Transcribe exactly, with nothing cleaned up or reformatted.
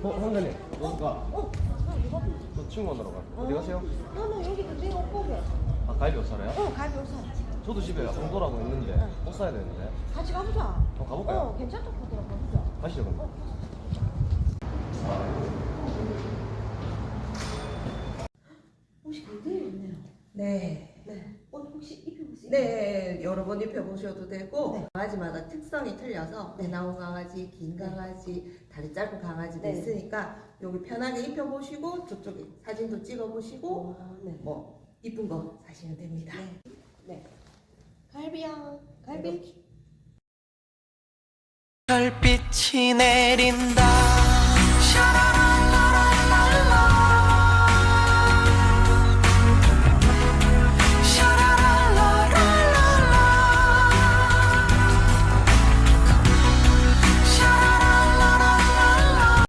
어, 선배님, 어디가? 어, 나 이거 저 친구 만나러 가. 어디 가세요? 나는 여기 근데 옷 보게. 아, 갈비 옷 사러요? 어, 갈비 옷 사. 저도 집에 홍도라고 있는데 응. 옷 사야 되는데. 같이 가보자. 어, 가볼까요? 어, 괜찮다 하더라고. 가보자. 가시죠, 그럼. 혹시 굉장히 있네요. 네. 네. 옷 혹시 입혀볼 수 있나요? 네, 여러 번 입혀보셔도 되고 네. 강아지마다 특성이 틀려서 배 나온 강아지, 긴 강아지, 다리 짧은 강아지도 네. 있으니까 여기 편하게 입혀보시고 저쪽에 사진도 찍어보시고 어, 네. 뭐 이쁜 거 사시면 됩니다. 네. 네. 갈비야. 갈비. 별빛이 내린다.